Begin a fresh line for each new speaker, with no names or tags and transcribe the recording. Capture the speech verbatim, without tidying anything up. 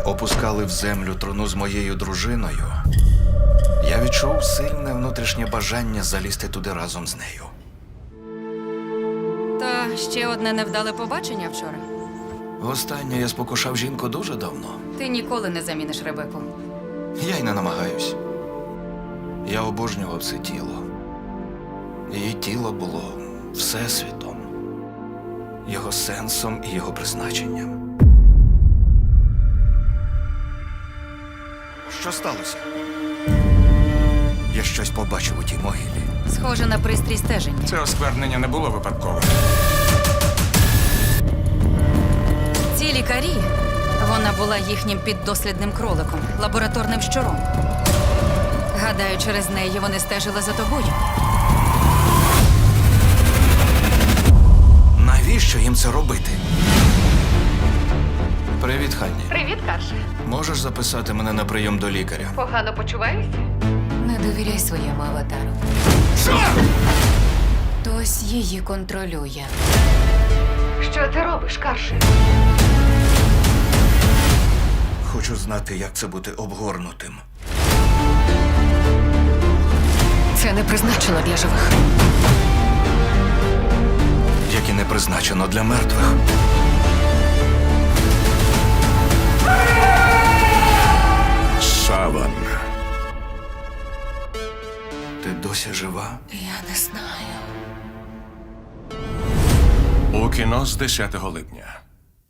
опускали в землю труну з моєю дружиною, я відчув сильне внутрішнє бажання залізти туди разом з нею.
Та ще одне невдале побачення вчора.
Востаннє я спокушав жінку дуже давно.
Ти ніколи не заміниш Ребеку.
Я й не намагаюсь. Я обожнював це тіло. Її тіло було всесвітом, його сенсом і його призначенням. Що сталося? Я щось побачив у тій могилі.
Схоже на пристрій стеження.
Це осквернення не було випадковим.
Ці лікарі, вона була їхнім піддослідним кроликом, лабораторним щуром. Гадаю, через неї вони стежили за тобою.
Навіщо їм це робити? Привіт, Ханні.
Привіт, Карше.
Можеш записати мене на прийом до лікаря?
Погано почуваєшся? Не довіряй своєму аватару.
Що?
Хтось її контролює. Що ти робиш, Карше?
Хочу знати, як це бути обгорнутим.
Це не призначено для живих.
Як і не призначено для мертвих.
Саван.
Ти досі жива?
Я не знаю.
У кіно з десятого липня.